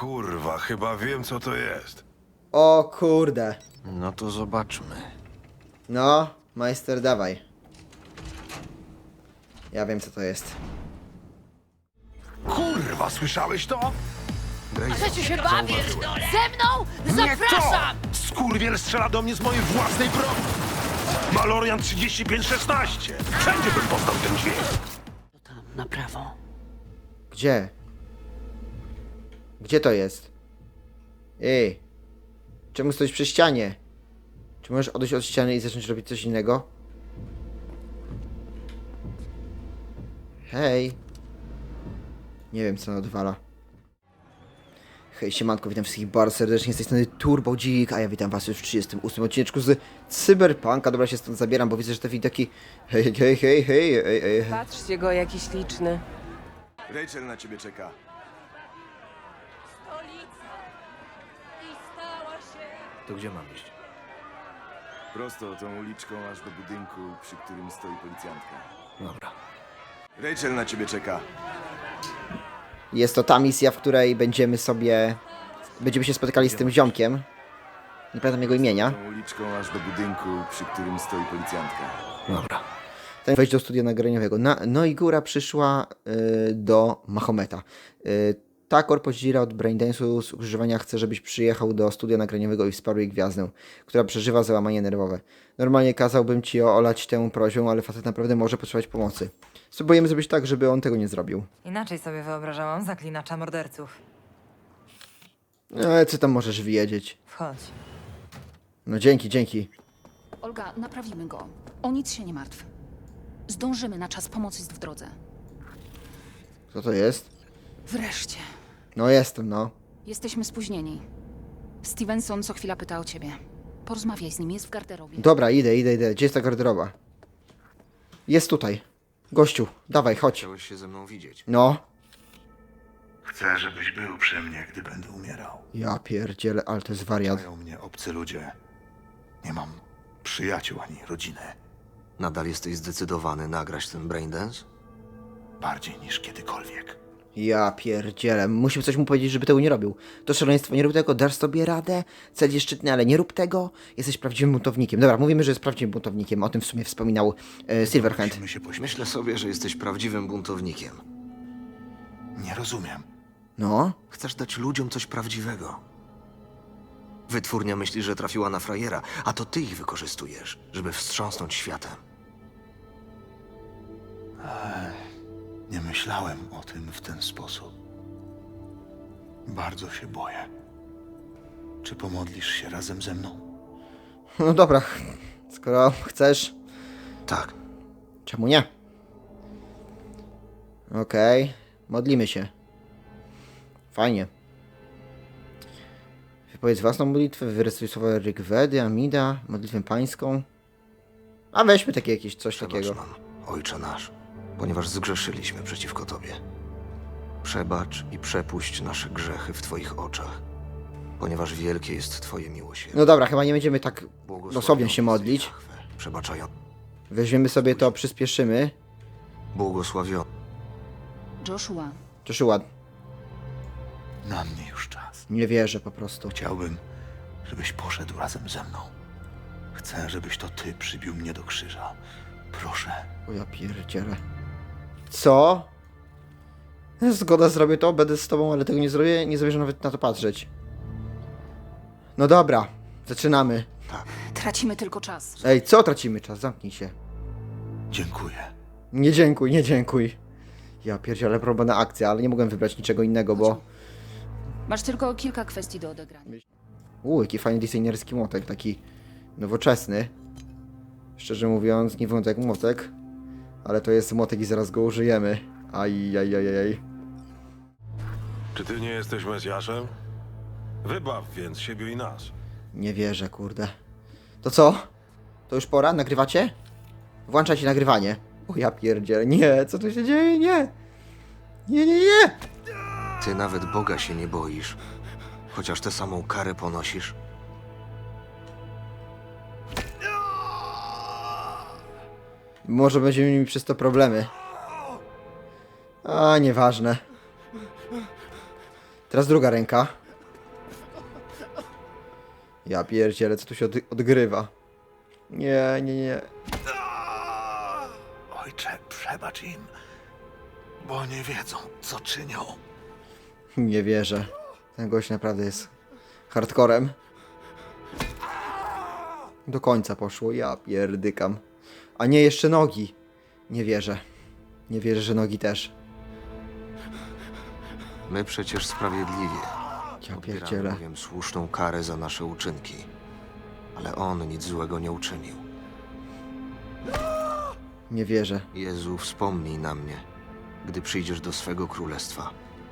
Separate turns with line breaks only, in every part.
kurwa, chyba wiem co to jest.
O kurde.
No to zobaczmy.
No, majster, dawaj. Ja wiem, co to jest.
Kurwa, słyszałeś to?
Chcecie się bawić? Ze mną? Zapraszam!
Skurwiel strzela do mnie z mojej własnej broni. Malorian 3516. Wszędzie bym poznał ten dźwięk.
Tam, na prawo.
Gdzie? Gdzie to jest? Ej. Czemu stoisz przy ścianie? Czy możesz odejść od ściany i zacząć robić coś innego? Hej. Nie wiem, co ona odwala. Hej, siemanko, witam wszystkich bardzo serdecznie, z tej strony Turbo Dzik, a ja witam was już w 38 odcineczku z Cyberpunka. Dobra, się stąd zabieram, bo widzę, że te widoki... Hej, hej, hej, hej, hej, hej.
Patrzcie go, jakiś liczny.
Rachel na ciebie czeka.
To gdzie mam iść?
Prosto tą uliczką aż do budynku, przy którym stoi policjantka.
Dobra.
Rachel na ciebie czeka.
Jest to ta misja, w której będziemy się spotykali z tym ziomkiem. Nie pamiętam jego imienia.
Tą uliczką aż do budynku, przy którym stoi policjantka.
Dobra.
Ten wejść do studia nagraniowego. No i góra przyszła do Mahometa. Ta korpodzira od Braindance'u z używania chce, żebyś przyjechał do studia nagraniowego i wsparł jej gwiazdę, która przeżywa załamanie nerwowe. Normalnie kazałbym ci olać tę prośbę, ale facet naprawdę może potrzebować pomocy. Spróbujemy zrobić tak, żeby on tego nie zrobił.
Inaczej sobie wyobrażałam zaklinacza morderców.
Co tam możesz wiedzieć?
Wchodź.
No dzięki.
Olga, naprawimy go. O nic się nie martw. Zdążymy na czas, pomoc jest w drodze.
Co to jest?
Wreszcie.
No jestem, no.
Jesteśmy spóźnieni. Stevenson co chwila pyta o ciebie. Porozmawiaj z nim, jest w garderobie.
Dobra, idę. Gdzie jest ta garderoba? Jest tutaj. Gościu, dawaj, chodź.
Chciałeś się ze mną widzieć.
No.
Chcę, żebyś był przy mnie, gdy będę umierał.
Ja pierdzielę, ale to jest wariat.
Mają mnie obcy ludzie. Nie mam przyjaciół ani rodziny.
Nadal jesteś zdecydowany nagrać ten Braindance?
Bardziej niż kiedykolwiek.
Ja pierdzielę. Musimy coś mu powiedzieć, żeby tego nie robił. To szaleństwo, nie rób tego, dasz sobie radę. Cel jest szczytny, ale nie rób tego. Jesteś prawdziwym buntownikiem. Dobra, mówimy, że jest prawdziwym buntownikiem. O tym w sumie wspominał Silverhand.
Musimy się pośmiać.
Myślę sobie, że jesteś prawdziwym buntownikiem.
Nie rozumiem.
No.
Chcesz dać ludziom coś prawdziwego. Wytwórnia myśli, że trafiła na frajera, a to ty ich wykorzystujesz, żeby wstrząsnąć światem.
Nie myślałem o tym w ten sposób. Bardzo się boję. Czy pomodlisz się razem ze mną?
No dobra. Skoro chcesz,
Tak.
czemu nie? Okej. Modlimy się. Fajnie. Wypowiedz własną modlitwę, wyrecytuj słowa Rigvedy, Amida, modlitwę pańską. A weźmy takie jakieś coś
Przebacz
takiego.
nam, Ojcze nasz, ponieważ zgrzeszyliśmy przeciwko Tobie. Przebacz i przepuść nasze grzechy w Twoich oczach, ponieważ wielkie jest Twoje miłosierdzie.
No dobra, chyba nie będziemy tak
Błogosławiony
dosłownie się
jesteś,
modlić.
Jahwe, przebaczają.
Weźmiemy sobie to, przyspieszymy.
Błogosławiony.
Joshua,
Joshua,
Na mnie już czas.
nie wierzę po prostu.
Chciałbym, żebyś poszedł razem ze mną. Chcę, żebyś to ty przybił mnie do krzyża. Proszę.
O ja pierdzielę. Co? Zgoda, zrobię to, będę z tobą, ale tego nie zrobię, nie zamierzam nawet na to patrzeć. No dobra, zaczynamy.
tracimy tylko czas.
Ej, co tracimy czas? Zamknij się.
Dziękuję.
Nie dziękuj. Ja pierdzielę, próbna akcja, ale nie mogłem wybrać niczego innego, bo...
Masz tylko kilka kwestii do odegrania.
Jaki fajny designerski młotek, taki nowoczesny. Szczerze mówiąc, nie wygląda jak młotek, ale to jest młotek i zaraz go użyjemy. Ajajajajaj.
Czy ty nie jesteś Mesjaszem? Wybaw więc siebie i nas.
Nie wierzę, kurde. To co? To już pora? Nagrywacie? Włączajcie nagrywanie. O ja pierdzielę. Nie, co tu się dzieje? Nie. Nie.
Ty nawet Boga się nie boisz, chociaż tę samą karę ponosisz.
Może będziemy mieli przez to problemy. A, nieważne. Teraz druga ręka. Ja pierdzielę, co tu się odgrywa. Nie, nie, nie.
Ojcze, przebacz im, bo nie wiedzą, co czynią.
Nie wierzę. Ten gość naprawdę jest hardcorem. Do końca poszło, ja pierdykam. A nie, jeszcze nogi. Nie wierzę. Nie wierzę, że nogi też.
My przecież sprawiedliwie.
Ja
Odbieramy
pierdzielę.
bowiem słuszną karę za nasze uczynki. Ale on nic złego nie uczynił.
Nie wierzę.
Jezu, wspomnij na mnie, gdy przyjdziesz do swego królestwa.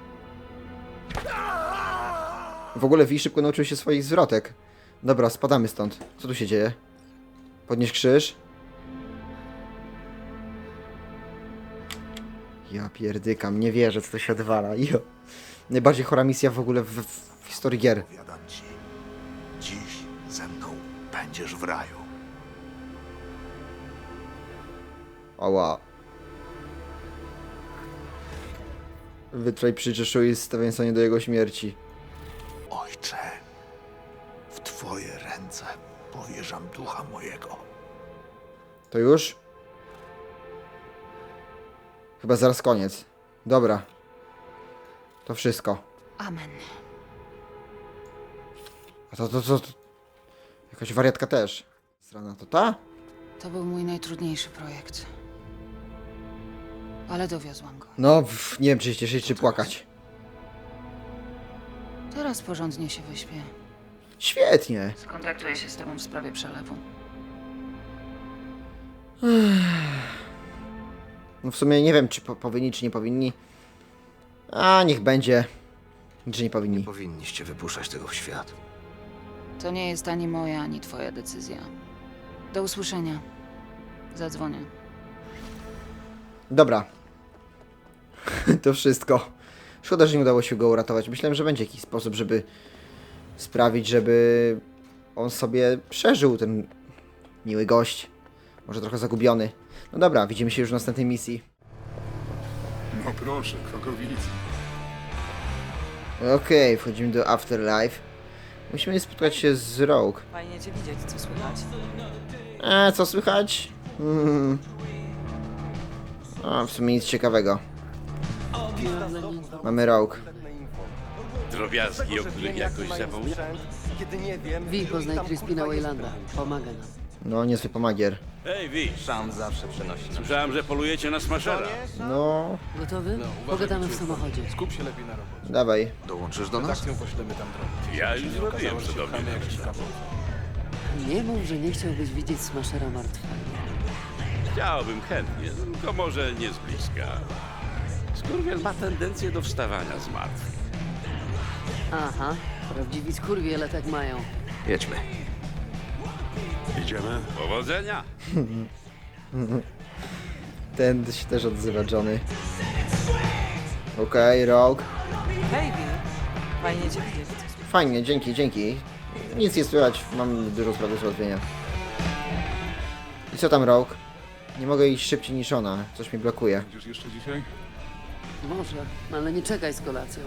W ogóle Wi szybko nauczył się swoich zwrotek. Dobra, spadamy stąd. Co tu się dzieje? Podnieś krzyż. Ja pierdykam, nie wierzę, co to się odwala. Jo. Najbardziej chora misja w ogóle w historii gier.
Powiadam ci, dziś ze mną będziesz w raju.
Ała. Wytrwaj przy Joshui Stevensonie do jego śmierci.
Ojcze, w twoje ręce powierzam ducha mojego.
To już? Chyba zaraz koniec. Dobra. To wszystko.
Amen.
A to... Jakaś wariatka też. Strona to ta?
To był mój najtrudniejszy projekt. Ale dowiozłam go.
No, nie wiem czy się cieszyć, czy płakać.
Teraz porządnie się wyśpię.
Świetnie.
Skontaktuję się z tobą w sprawie przelewu.
No w sumie nie wiem, czy powinni, czy nie powinni. A, niech będzie. Czy nie powinni.
Powinniście wypuszczać tego w świat.
To nie jest ani moja, ani twoja decyzja. Do usłyszenia. Zadzwonię.
Dobra. To wszystko. Szkoda, że nie udało się go uratować. Myślałem, że będzie jakiś sposób, żeby sprawić, żeby on sobie przeżył, ten miły gość. Może trochę zagubiony. No dobra, widzimy się już w następnej misji.
No proszę, krokowic.
Okej, wchodzimy do Afterlife. Musimy spotkać się z Rogue.
Fajnie cię widzieć, co słychać?
Co słychać? O, w sumie nic ciekawego. Mamy Rogue.
Drobiazgi, o których jakoś zapomniałem.
Wi, poznaj Crispina Waylanda. Pomaga nam.
No, niezły pomagier.
Hej, Wi. Sam zawsze przenosi. Słyszałem, że polujecie na smashera.
No,
Gotowy? Pogadamy w samochodzie.
dawaj.
Dołączysz do nas?
Ja już zrobiłem, co do mnie.
Nie mów, że nie chciałbyś widzieć Smashera martwego.
Chciałbym chętnie, tylko może nie z bliska. Skurwiel ma tendencję do wstawania z martwych.
Aha, prawdziwi skurwiele tak mają.
Jedźmy.
Idziemy?
Powodzenia!
Ten się też odzywa, Johnny. Okej, Rogue.
Hej, Wi. Fajnie cię widzieć, co słychać?
Fajnie, dzięki, dzięki. Nic nie słychać, mam dużo spraw do załatwienia. I co tam, Rogue? Nie mogę iść szybciej niż ona, coś mi blokuje.
Będziesz jeszcze dzisiaj?
Może, ale nie czekaj z kolacją.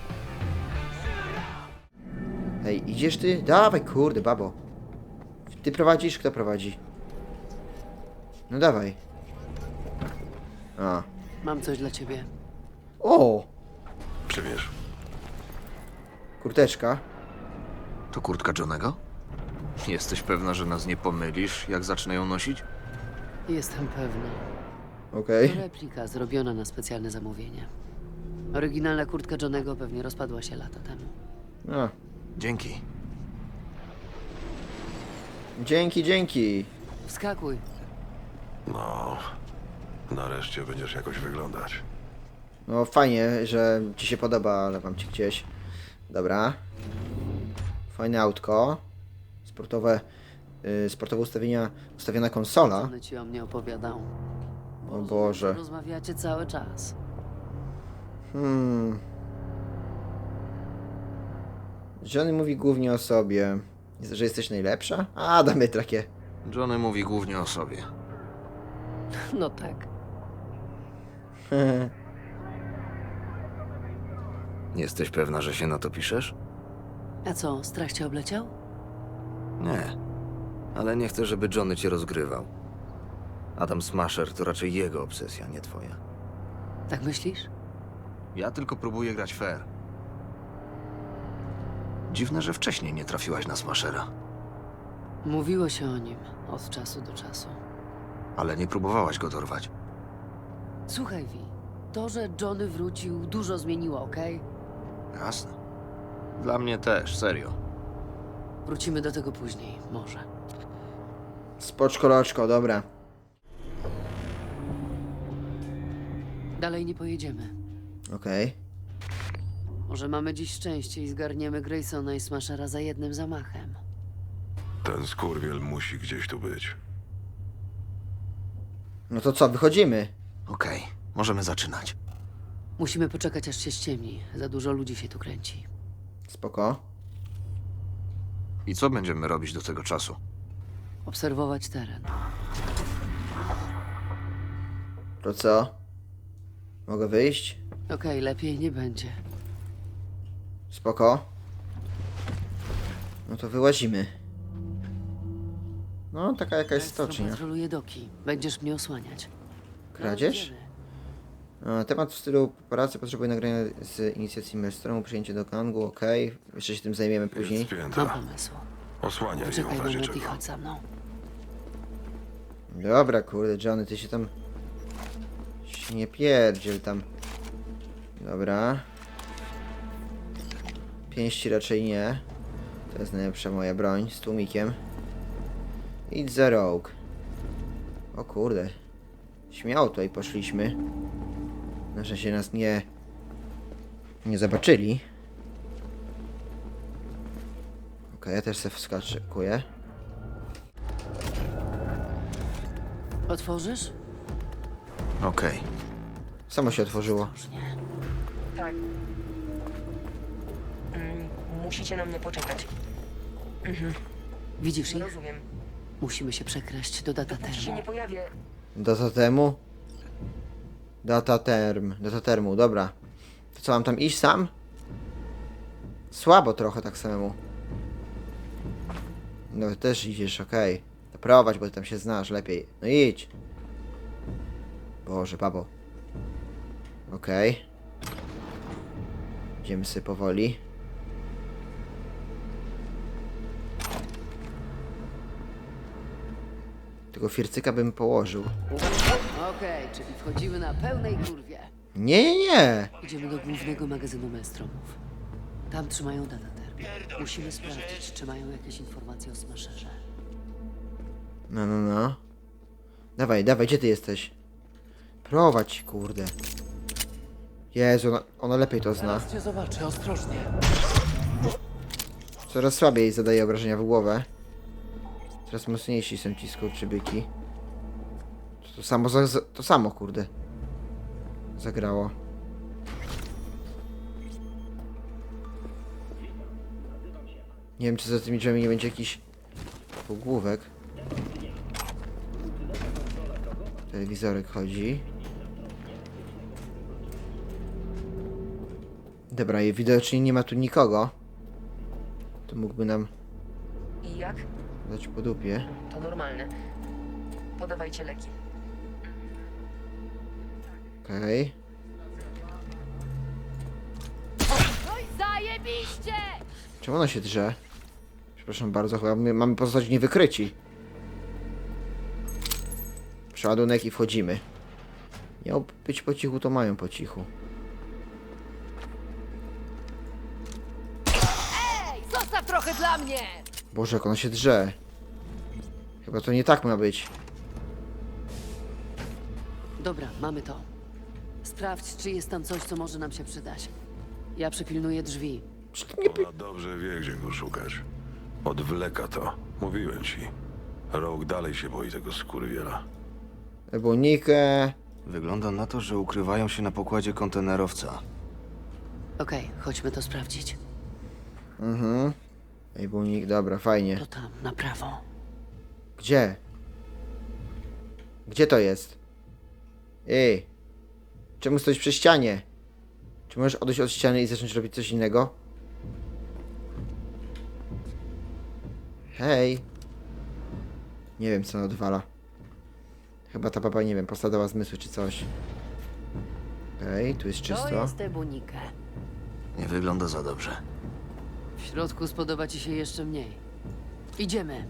Hej, idziesz ty? Dawaj, kurde, babo. Ty prowadzisz? Kto prowadzi? No dawaj. A.
Mam coś dla ciebie.
O!
Przybierz.
Kurteczka.
To kurtka Johnego? Jesteś pewna, że nas nie pomylisz, jak zacznę ją nosić?
Jestem pewna.
Okej.
To replika zrobiona na specjalne zamówienie. Oryginalna kurtka Johnego pewnie rozpadła się lata temu.
A.
Dzięki.
Dzięki, dzięki.
Wskakuj.
No, nareszcie będziesz jakoś wyglądać.
No fajnie, że ci się podoba, ale wam ci gdzieś. Dobra. Fajne autko. Sportowe, sportowe ustawiona konsola.
One ci o mnie opowiadał.
O Boże.
Rozmawiacie cały czas.
Johnny mówi głównie o sobie. Że jesteś najlepsza? A, damy takie.
Johnny mówi głównie o sobie.
No tak.
Jesteś pewna, że się na to piszesz?
A co, strach cię obleciał?
Nie. Ale nie chcę, żeby Johnny cię rozgrywał. Adam Smasher to raczej jego obsesja, nie twoja.
Tak myślisz?
Ja tylko próbuję grać fair. Dziwne, że wcześniej nie trafiłaś na Smashera.
Mówiło się o nim od czasu do czasu.
Ale nie próbowałaś go dorwać.
Słuchaj, Vi, to, że Johnny wrócił, dużo zmieniło, okej?
Jasne. Dla mnie też, serio.
Wrócimy do tego później, może.
Spoczko loczko, dobra.
Dalej nie pojedziemy.
Okej.
Może mamy dziś szczęście i zgarniemy Graysona i Smashera za jednym zamachem.
Ten skurwiel musi gdzieś tu być.
No to co, wychodzimy?
Okej, możemy zaczynać.
Musimy poczekać, aż się ściemni. Za dużo ludzi się tu kręci.
Spoko.
I co będziemy robić do tego czasu?
Obserwować teren.
To co? Mogę wyjść?
Okej, lepiej nie będzie.
Spoko. No to wyłazimy. No, taka jakaś stocznia.
Patroluję doki. Będziesz mnie osłaniać.
Kradzież? Temat w stylu pracy potrzebuje nagrania z inicjacji Maelstromu, przyjęcie do gangu, okej. Jeszcze się tym zajmiemy później.
Jest
Mam
spięta.
pomysł.
Osłaniaj ją
Czekaj
w razie
moment i
czego.
chodź za mną.
Dobra, kurde, Johnny, ty się tam... się nie pierdziel tam. Dobra. Pięści raczej nie. To jest najlepsza moja broń, z tłumikiem. Idź za rogue. O kurde. Śmiało tutaj poszliśmy. Na szczęście nas nie zobaczyli. Okej, ja też se wskakuję.
Otworzysz?
Okej.
Samo się otworzyło.
Tak. Musicie na mnie poczekać.
Widzisz ich?
Rozumiem.
Musimy się przekraść do data
Dopóki się
termu.
nie pojawię,
Data temu? Data termu, dobra. To co, mam tam iść sam? Słabo trochę tak samemu. No ty też idziesz, okej. To prowadź, bo ty tam się znasz lepiej. No idź. Boże, babo. Okej. Idziemy sobie powoli. Tego fircyka bym położył.
Okej, czyli wchodzimy na pełnej kurwie.
Nie.
Idziemy do głównego magazynu Maelstromów. Tam trzymają data termu. Musimy sprawdzić, czy mają jakieś informacje o Smasherze.
No. Dawaj, gdzie ty jesteś? Prowadź, kurde. Jezu, ona lepiej to zna.
cię zobaczę, ostrożnie.
Coraz słabiej zadaje obrażenia w głowę. Coraz mocniejsi są ci skurczybyki. To samo, kurde. Zagrało. Nie wiem, czy za tymi drzwiami nie będzie jakiś półgłówek. Telewizorek chodzi. Dobra, i widocznie nie ma tu nikogo. To mógłby nam
I jak?
dać po dupie.
To normalne. Podawajcie leki.
Okej.
No i zajebiście!
Czemu ona się drze? Przepraszam bardzo, chyba my mamy pozostać niewykryci. Przeładunek i wchodzimy. Miał być po cichu, to mają po cichu.
Ej, zostaw trochę dla mnie!
Boże, jak ona się drze. Chyba to nie tak ma być.
Dobra, mamy to. Sprawdź, czy jest tam coś, co może nam się przydać. Ja przypilnuję drzwi.
Czy to nie...
Ona dobrze wie, gdzie go szukać. Odwleka to. Mówiłem ci. Rogue dalej się boi tego skurwiela.
Ebonikę...
Wygląda na to, że ukrywają się na pokładzie kontenerowca.
Okej, chodźmy to sprawdzić.
Ebonik, dobra, fajnie.
To tam, na prawo.
Gdzie? Gdzie to jest? Ej! Czemu stoisz przy ścianie? Czy możesz odejść od ściany i zacząć robić coś innego? Hej! Nie wiem, co ona odwala. Chyba ta baba, nie wiem, postradała zmysły czy coś. Okej, tu jest
To
czysto.
jest Ebunike.
Nie wygląda za dobrze.
W środku spodoba ci się jeszcze mniej. Idziemy.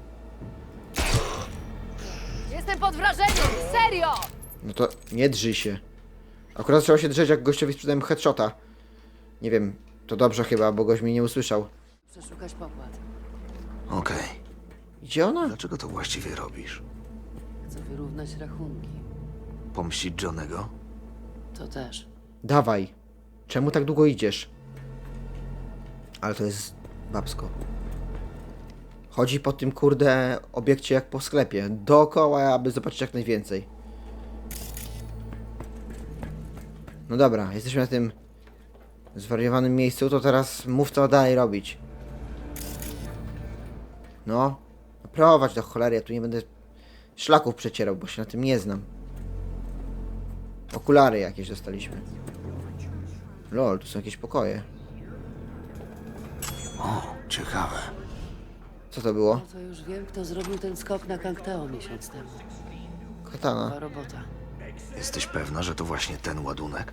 Jestem pod wrażeniem! Serio!
No to nie drzyj się. Akurat trzeba się drzeć, jak gościowi sprzedałem headshota. Nie wiem, to dobrze chyba, bo gość mnie nie usłyszał.
Przeszukać pokład.
Okej.
Gdzie ona?
Dlaczego to właściwie robisz?
Chcę wyrównać rachunki.
Pomścić Johnego?
To też.
Dawaj. Czemu tak długo idziesz? Ale to jest babsko. Chodzi po tym kurde obiekcie jak po sklepie. Dookoła, aby zobaczyć jak najwięcej. No dobra, jesteśmy na tym zwariowanym miejscu, to teraz mów co dalej robić. No, prowadź do cholery, ja tu nie będę szlaków przecierał, bo się na tym nie znam. Okulary jakieś dostaliśmy. Lol, tu są jakieś pokoje.
O, ciekawe.
Co to było?
No to już wiem, kto zrobił ten skok na Kangteo miesiąc temu.
Katana.
Była robota.
Jesteś pewna, że to właśnie ten ładunek?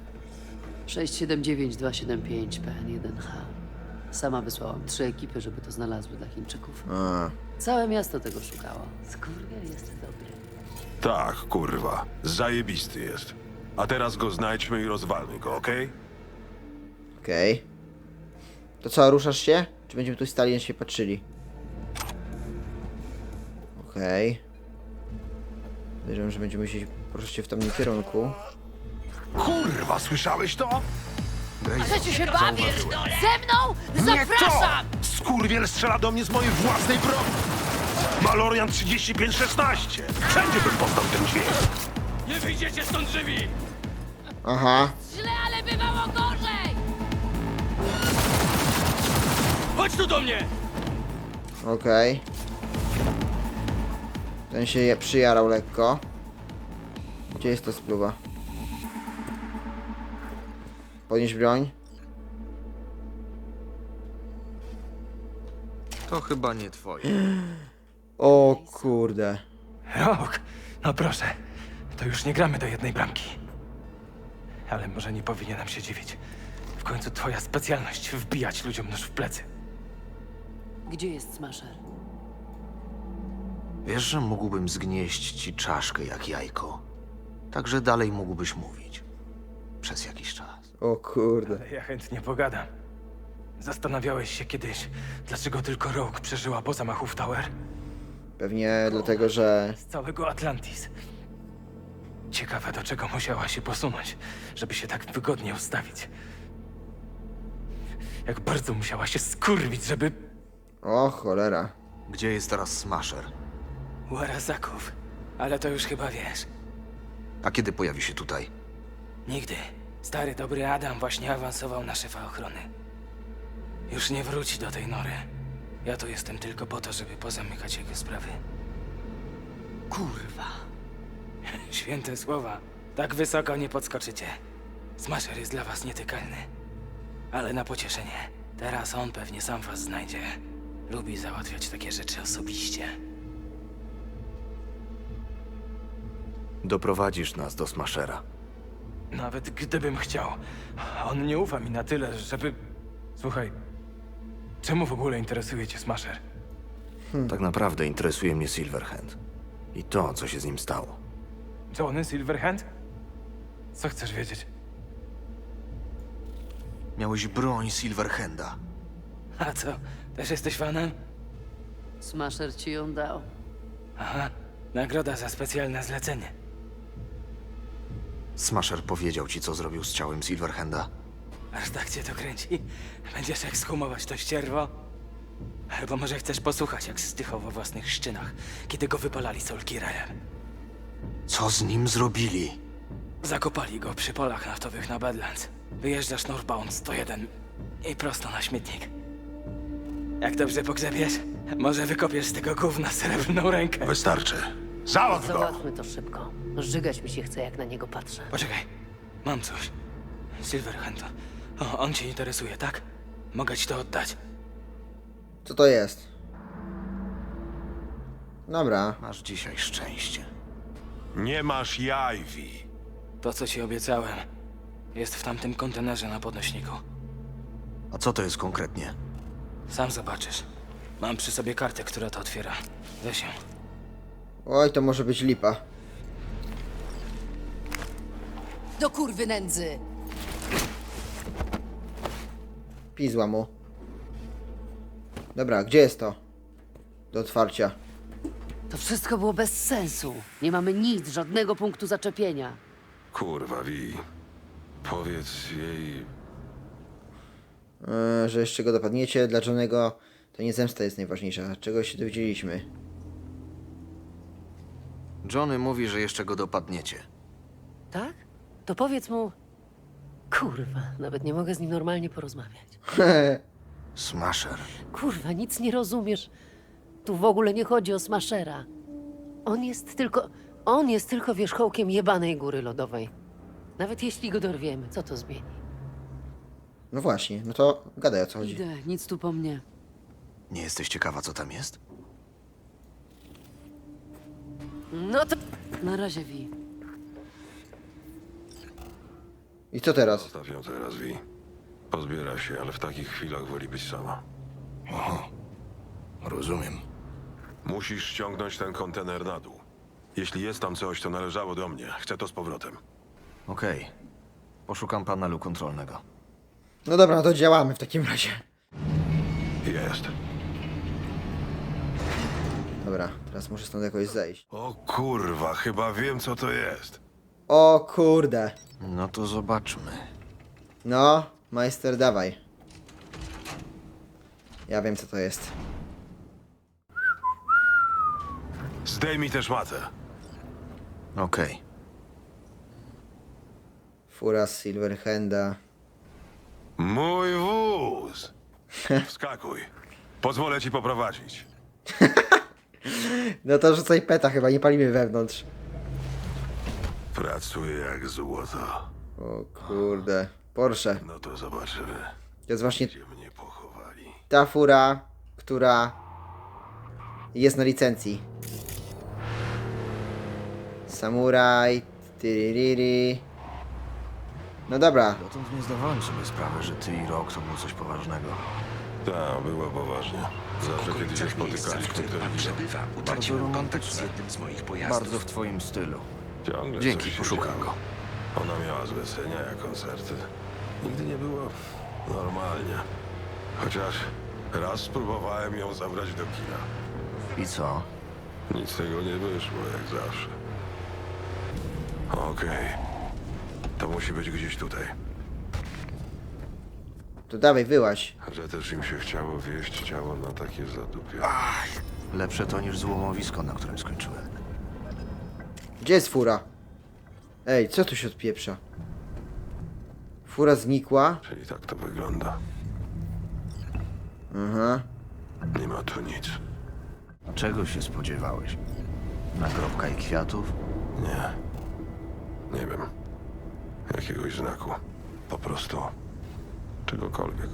679-275 PN1H. Sama wysłałam 3 ekipy, żeby to znalazły dla Chińczyków.
A,
Całe miasto tego szukało. Skurwiel jest dobry.
Tak, kurwa. Zajebisty jest. A teraz go znajdźmy i rozwalmy go, okej?
okej. To co, ruszasz się? Czy będziemy tu stali i się patrzyli? Okej. Podejrzewam, że będziemy musieli poruszać się w tamtym kierunku.
Kurwa, słyszałeś to?
Chcecie się bawić? Ze mną? Zapraszam!
Skurwiel strzela do mnie z mojej własnej broni! Malorian 3516! Wszędzie bym poznał ten dźwięk!
Nie wyjdziecie stąd żywi!
Aha.
Źle, ale bywało gorzej!
Chodź tu do mnie!
Okej. Ten się przyjarał lekko. Gdzie jest ta spluwa? Podnieś broń.
To chyba nie twoje.
O kurde.
Rok, no proszę, to już nie gramy do jednej bramki. Ale może nie powinienem się dziwić. W końcu twoja specjalność wbijać ludziom nóż w plecy.
Gdzie jest Smasher?
Wiesz, że mógłbym zgnieść ci czaszkę jak jajko. Także dalej mógłbyś mówić. Przez jakiś czas.
O kurde.
Ale ja chętnie pogadam. Zastanawiałeś się kiedyś, dlaczego tylko Rogue przeżyła po zamachu w Tower?
Pewnie dlatego, że...
Z całego Atlantis. Ciekawe, do czego musiała się posunąć, żeby się tak wygodnie ustawić. Jak bardzo musiała się skurwić, żeby...
O cholera.
Gdzie jest teraz Smasher?
U Arazaków. Ale to już chyba wiesz.
A kiedy pojawi się tutaj?
Nigdy. Stary, dobry Adam właśnie awansował na szefa ochrony. Już nie wróci do tej nory. Ja tu jestem tylko po to, żeby pozamykać jego sprawy.
Kurwa.
Święte słowa. Tak wysoko nie podskoczycie. Smasher jest dla was nietykalny. Ale na pocieszenie. Teraz on pewnie sam was znajdzie. Lubi załatwiać takie rzeczy osobiście.
Doprowadzisz nas do Smashera.
Nawet gdybym chciał. On nie ufa mi na tyle, żeby... Słuchaj, czemu w ogóle interesuje cię Smasher?
Tak naprawdę interesuje mnie Silverhand. I to, co się z nim stało.
Johnny Silverhand? Co chcesz wiedzieć?
Miałeś broń Silverhanda.
A co, też jesteś fanem?
Smasher ci ją dał.
Aha, nagroda za specjalne zlecenie.
Smasher powiedział ci, co zrobił z ciałem Silverhanda.
Aż tak cię to kręci? Będziesz ekshumować to ścierwo? Albo może chcesz posłuchać, jak zdychał we własnych szczynach, kiedy go wypalali Soulkillerem.
Co z nim zrobili?
Zakopali go przy polach naftowych na Badlands. Wyjeżdżasz Northbound 101 i prosto na śmietnik. Jak dobrze pogrzebiesz, może wykopiesz z tego gówna srebrną rękę.
Wystarczy. Załatw go!
Załatwmy to szybko. Żygać mi się chce, jak na niego patrzę.
Poczekaj, mam coś. Silverhand. On cię interesuje, tak? Mogę ci to oddać.
Co to jest? Dobra.
Masz dzisiaj szczęście.
Nie masz jaj, Vi.
To, co ci obiecałem, jest w tamtym kontenerze na podnośniku.
A co to jest konkretnie?
Sam zobaczysz. Mam przy sobie kartę, która to otwiera. Weź ją.
Oj, to może być lipa.
Do kurwy nędzy!
Pizła mu. Dobra, gdzie jest to? Do otwarcia.
To wszystko było bez sensu. Nie mamy nic, żadnego punktu zaczepienia.
Kurwa, Vi. Powiedz jej...
Że jeszcze go dopadniecie. Dla Johnego to nie zemsta jest najważniejsza. Czego się dowiedzieliśmy?
Johnny mówi, że jeszcze go dopadniecie.
Tak? To powiedz mu... Kurwa, nawet nie mogę z nim normalnie porozmawiać.
Smasher.
Kurwa, nic nie rozumiesz. Tu w ogóle nie chodzi o Smashera. On jest tylko wierzchołkiem jebanej góry lodowej. Nawet jeśli go dorwiemy, co to zmieni?
No właśnie, no to gadaj, o co chodzi.
Idę, nic tu po mnie.
Nie jesteś ciekawa, co tam jest?
No to... Na razie, Vi.
I co teraz?
Zostaw ją teraz, Vi. Pozbiera się, ale w takich chwilach woli być sama.
Aha. Rozumiem.
Musisz ściągnąć ten kontener na dół. Jeśli jest tam coś, to należało do mnie. Chcę to z powrotem.
Okej. Poszukam panelu kontrolnego.
No dobra, no to działamy w takim razie.
Jest.
Dobra, teraz muszę stąd jakoś zejść.
O kurwa, chyba wiem, co to jest.
O kurde.
No to zobaczmy.
No, majster, dawaj. Ja wiem, co to jest.
Zdejmij też matę.
Okej.
Fura z Silverhanda.
Mój wóz! Wskakuj. Pozwolę ci poprowadzić.
No to rzucaj peta, chyba nie palimy wewnątrz.
Pracuję jak złoto.
O kurde. Porsche.
No to zobaczymy,
To jest właśnie
gdzie mnie pochowali.
ta fura, która jest na licencji. Samuraj. Tyririri. No dobra.
Dotąd nie zdawałem sobie sprawy, że ty i Rock to było coś poważnego.
Tak, było poważnie. Zawsze kiedy się spotykaliśmy, to
Bardzo romantyczne. Bardzo w twoim stylu.
ciągle
Dzięki,
coś się
poszukam
działo.
go.
Ona miała zlecenia, jak koncerty. Nigdy nie było normalnie. Chociaż raz spróbowałem ją zabrać do kina.
I co?
Nic z tego nie wyszło, jak zawsze. Okej. To musi być gdzieś tutaj.
To dawaj, wyłaź.
Że też im się chciało wieść ciało na takie zadupie.
Lepsze to niż złomowisko, na którym skończyłem.
Gdzie jest fura? Ej, co tu się odpieprza? Fura znikła.
Czyli tak to wygląda.
Aha.
Nie ma tu nic.
A czego się spodziewałeś? Nagrobka i kwiatów?
Nie. Nie wiem. Jakiegoś znaku. Po prostu. Czegokolwiek.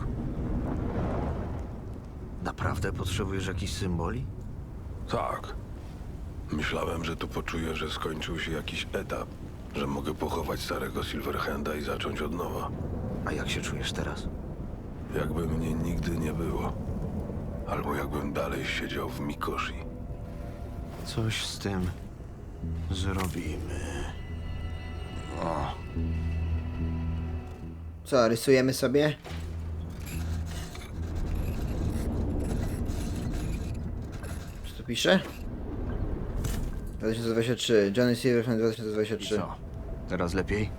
Naprawdę potrzebujesz jakichś symboli?
Tak. Myślałem, że tu poczuję, że skończył się jakiś etap. Że mogę pochować starego Silverhanda i zacząć od nowa.
A jak się czujesz teraz?
Jakby mnie nigdy nie było. Albo jakbym dalej siedział w Mikoshi.
Coś z tym zrobimy. O,
Co, rysujemy sobie? Co tu pisze? 2023. Johnny Silverhand
i
2023.
co? Teraz lepiej?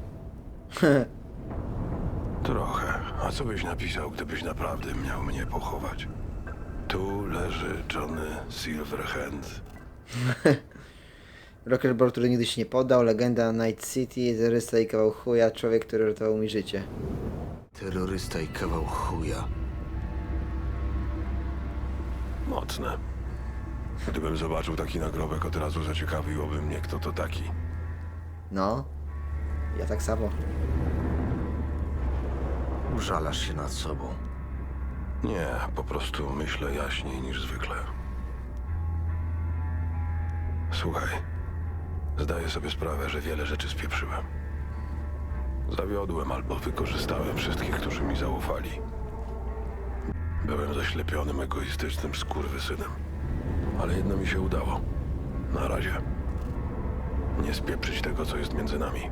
Trochę. A co byś napisał, gdybyś naprawdę miał mnie pochować? Tu leży Johnny Silverhand.
Rockerball, który nigdy się nie poddał, legenda Night City, terrorysta i kawał chuja, człowiek, który ratował mi życie.
Terrorysta i kawał chuja.
Mocne. Gdybym zobaczył taki nagrobek, od razu zaciekawiłoby mnie, kto to taki.
No, ja tak samo.
Użalasz się nad sobą.
Nie, po prostu myślę jaśniej niż zwykle. Słuchaj, zdaję sobie sprawę, że wiele rzeczy spieprzyłem. Zawiodłem albo wykorzystałem wszystkich, którzy mi zaufali. Byłem zaślepionym, egoistycznym skurwysynem. Ale jedno mi się udało. Na razie. Nie spieprzyć tego, co jest między nami.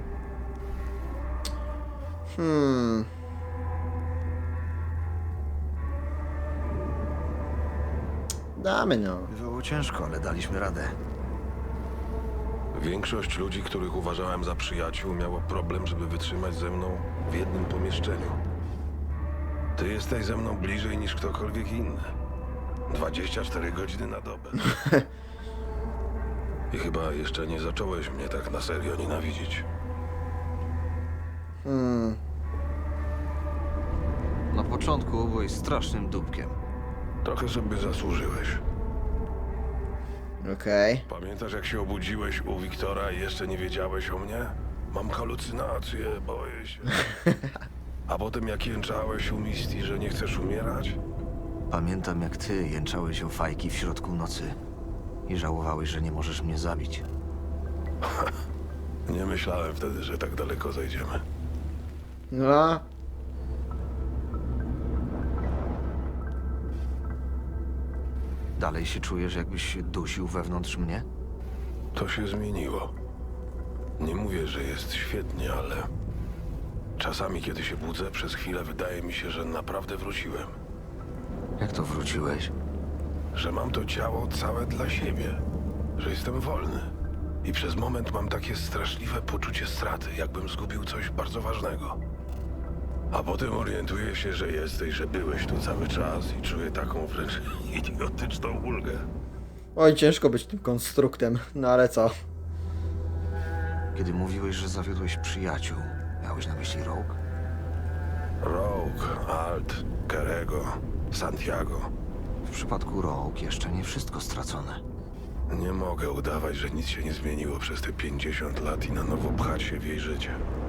Damy no.
Bywało ciężko, ale daliśmy radę.
Większość ludzi, których uważałem za przyjaciół, miało problem, żeby wytrzymać ze mną w jednym pomieszczeniu. Ty jesteś ze mną bliżej niż ktokolwiek inny. 24 godziny na dobę. I chyba jeszcze nie zacząłeś mnie tak na serio nienawidzić.
Na początku byłeś strasznym dupkiem.
Trochę sobie zasłużyłeś.
Okej.
Pamiętasz, jak się obudziłeś u Wiktora i jeszcze nie wiedziałeś o mnie? Mam halucynacje, boję się. A potem jak jęczałeś u Misty, że nie chcesz umierać?
Pamiętam, jak ty jęczałeś o fajki w środku nocy i żałowałeś, że nie możesz mnie zabić.
Nie myślałem wtedy, że tak daleko zajdziemy.
No.
Dalej się czujesz, jakbyś się dusił wewnątrz mnie?
To się zmieniło. Nie mówię, że jest świetnie, ale czasami, kiedy się budzę, przez chwilę wydaje mi się, że naprawdę wróciłem.
Jak to wróciłeś?
Że mam to ciało całe dla siebie. Że jestem wolny. I przez moment mam takie straszliwe poczucie straty, jakbym zgubił coś bardzo ważnego. A potem orientuję się, że jesteś, że byłeś tu cały czas i czuję taką wręcz idiotyczną ulgę.
Oj, ciężko być tym konstruktem, no ale co?
Kiedy mówiłeś, że zawiodłeś przyjaciół, miałeś na myśli Rogue?
Rogue, Alt, Kerego, Santiago.
W przypadku Rogue jeszcze nie wszystko stracone.
Nie mogę udawać, że nic się nie zmieniło przez te 50 lat i na nowo pchać się w jej życie.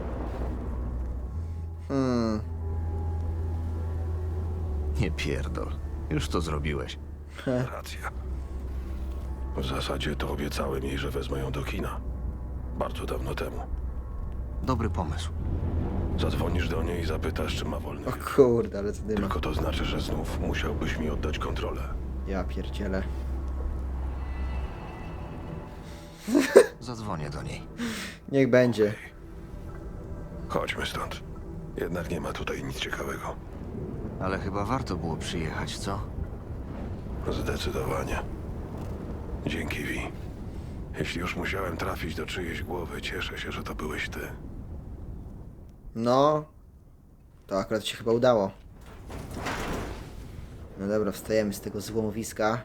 Nie pierdol. Już to zrobiłeś.
Racja. W zasadzie to obiecałem jej, że wezmę ją do kina. Bardzo dawno temu.
Dobry pomysł.
Zadzwonisz do niej i zapytasz, czy ma wolny
O
wieczór.
kurde, ale co dyma.
Tylko to znaczy, że znów musiałbyś mi oddać kontrolę.
Ja pierdzielę.
Zadzwonię do niej.
Niech będzie.
Chodźmy stąd. Jednak nie ma tutaj nic ciekawego.
Ale chyba warto było przyjechać, co?
Zdecydowanie. Dzięki, Vi. Jeśli już musiałem trafić do czyjejś głowy, cieszę się, że to byłeś ty.
No. To akurat się chyba udało. No dobra, wstajemy z tego złomowiska.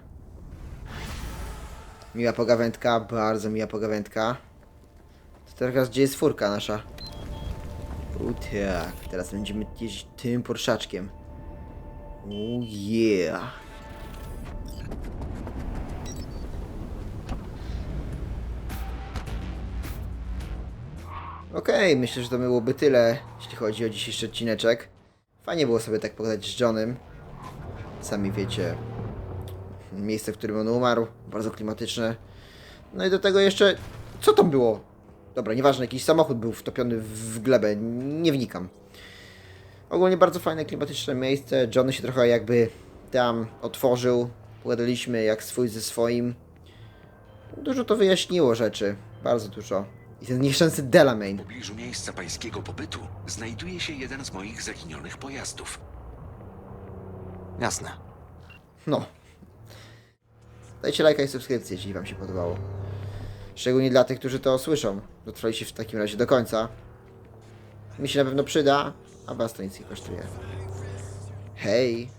Miła pogawędka, bardzo miła pogawędka. To teraz gdzie jest furka nasza? Tak, teraz będziemy jeździć tym porszaczkiem. Yeah. Okej, myślę, że to byłoby tyle, jeśli chodzi o dzisiejszy odcineczek. Fajnie było sobie tak pogadać z Johnem. Sami wiecie, miejsce, w którym on umarł, bardzo klimatyczne. No i do tego jeszcze, co tam było? Dobra, nieważne, jakiś samochód był wtopiony w glebę, nie wnikam. Ogólnie bardzo fajne, klimatyczne miejsce. John się trochę jakby tam otworzył. Pogadaliśmy jak swój ze swoim. Dużo to wyjaśniło rzeczy, bardzo dużo. I ten nieszczęsny Delamain.
W pobliżu miejsca pańskiego pobytu znajduje się jeden z moich zaginionych pojazdów.
Jasne.
No. Dajcie lajka i subskrypcję, jeśli wam się podobało. Szczególnie dla tych, którzy to słyszą. Dotrwaliście w takim razie do końca. Mi się na pewno przyda, a was to nic nie kosztuje. Hej!